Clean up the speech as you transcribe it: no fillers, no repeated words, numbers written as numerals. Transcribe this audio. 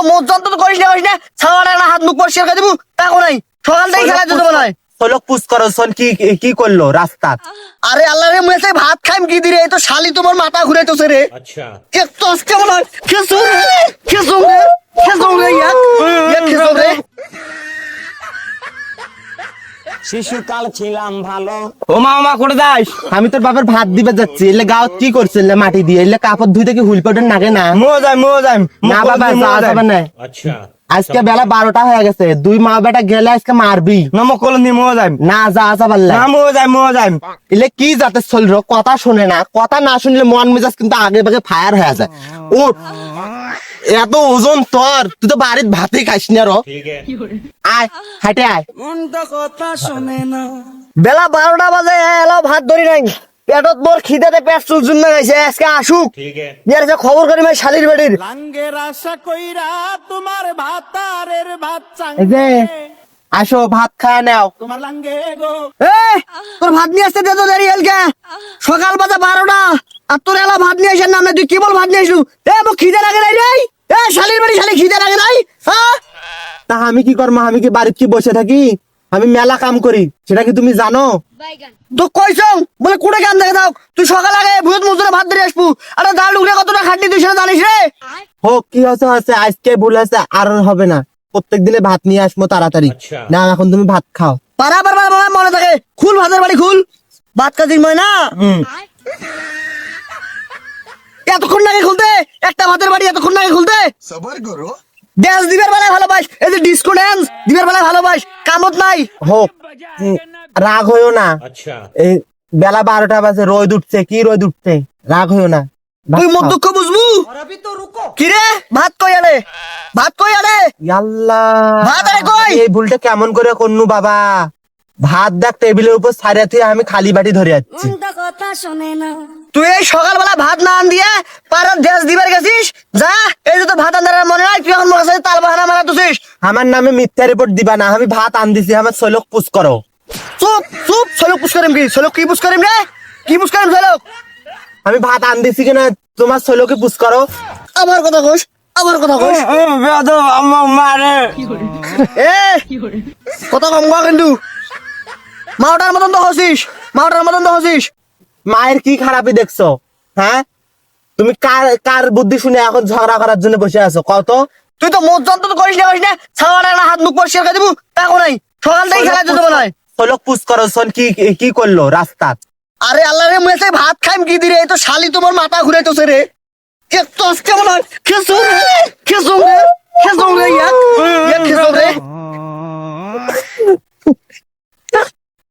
তো মোট যন্ত্র করিস না ছাওয়াটা না হাত মুখ পরিষ্কার করে দিব তাকো নাই সকালটাই খেলা যেতে মনে হয় সোলক পুশ করো শোন কি করলো রাস্তা আরে আল্লাহ রে মুই সেই ভাত খাইম কি দিরে এই তো শালি তোমার মাথা ঘুরাইতেছে রে अच्छा কে তোস কেমন হয় খেসুম রে ইয়া খেসুম রে শিশুকাল ছিলাম ভালো। ও মা করে যাস? আমি তোর বাবার ভাত দিবে যাচ্ছি এলে গাঁও কি করছিল মাটি দিয়ে এলে কাপড় ধুইতে কি হুইল পাউডার নাগে না? মো যাই না বাবা যা যাবে না। अच्छा আজকে বেলা 12টা হয়ে গেছে, দুই মা বেটা গেলে আজকে মারবি না মো কল নি মো যাই না। যা পারলে না মো যাই এলে কি যাতে চলল কথা শুনে না, কথা না শুনলে মন মেজাজ কিন্তু আগে ভাগে ফায়ার হয়ে যায়। উঠ, এত ওজন তোর, তুই তো বাড়ির ভাতই খাইস না রো। ठीक है আয় হাঁটে আয়। বেলা 12টা বাজে এলো ভাত ধরি নাই পেটত মোর খিদেতে পেট চুলচুল না গাইছে আজকে আসুক ठीक है ইয়ার যে খবর করি ভাই শালির বাড়ির লাঙ্গের আশা কইরা তোমার ভাতারের ভাত এই যে আসো ভাত খায় নাও। তোমার লাঙ্গে গো এই তোর ভাত নিয়ে আসতে দে তো দেরি হলকে সকাল বাজে 12টা আর তোর এলা ভাত নিয়ে আসার নামে তুই কি বল ভাত নিয়ে আসলু মোক খিদে লাগে নাই রে শালির বাড়ি শালি খিদে লাগে নাই হ্যাঁ তা আমি কি করবো? আমি কি বাড়িতে কি বসে থাকি? আমি মেলা কাম করি, সেটা কি তুমি জানো? তো কইছ বলে কুড়ে কাম দেখে দাও তুই সকাল আগে ভূত মজুরে ভাত ধরে আসবু আরে ডাল ডুগরে কতটা খাটনি তুই সেটা জানিস রে হোক কি হচ্ছে আজকে ভুল আছে, আর হবে না। প্রত্যেক দিনে ভাত নিয়ে আসবো তাড়াতাড়ি। আচ্ছা। না এখন তুমি ভাত খাও। বারবার মনে থাকে খুল ভাতের বাড়ি খুল ভাত কাজির ময় না এতক্ষণ লাগে খুলতে একটা ভাতের বাড়ি এতক্ষণ লাগে খুলতে ড্যান্স দিবের বেলায় ভালোবাস এই যে ডিস্কো ড্যান্স দিবের বেলায় ভালোবাস কামত নাই হোক, রাগ হইও না। अच्छा এই বেলা 12টা বাজে, রোদ উঠছে, কি রোদ উঠছে, রাগ হইও না। ভাত তুই মোর খাও। দুঃখ বুঝবু কি রে ভাত কই আনে আল্লাহ, ভাত আরে কই? এই ভুলটা কেমন করে করনু বাবা? ভাত দেখ টেবিলের উপর সারিয়া থেকে আমি খালি বাটি ধরে যাচ্ছি। তুই এই সকালবেলা ভাত না আন দিয়ে পাড়ার ড্যান্স দিবার গেছিস যা এই যে তোর ভাত আন্দার মনে হয় তুই এখন মোর সাথে তাল বাহানা মারা তুছিস আমার নামে মিথ্যা রিপোর্ট দিবা না, আমি ভাত আন দিছি, আমার সলক পুষ করো। চুপ সলক পুষ করিম কি সলক কি পুষ করিম রে কি পুষ করিম সলক আমি ভাত আন দিছি কিনা তোমার সলকে পুষ করো। আমার কথা কইস মারে এ কথা কম কর কিন্তু মাওটার মতন তো হসিস মায়ের কি খারাপই দেখছো? হ্যাঁ, তুমি কার বুদ্ধি শুনে এখন ঝগড়া করার জন্য বসে আছো? কত তুই তো মোট যন্ত্র করিস না ছাওয়াটা না হাত মুখ পরিষ্কার করে দিব তাকো নাই সকালটাই খেলা যেতে মনে হয় সলক পুষ করো শোন কি করলো রাস্তা। আরে আল্লাহ রে মুই সেই ভাত খাইম কি দিরে এই তো শালি তোমার মাথা ঘুরাইতেছে রে কে তোস কেমন হয় খেসুম রে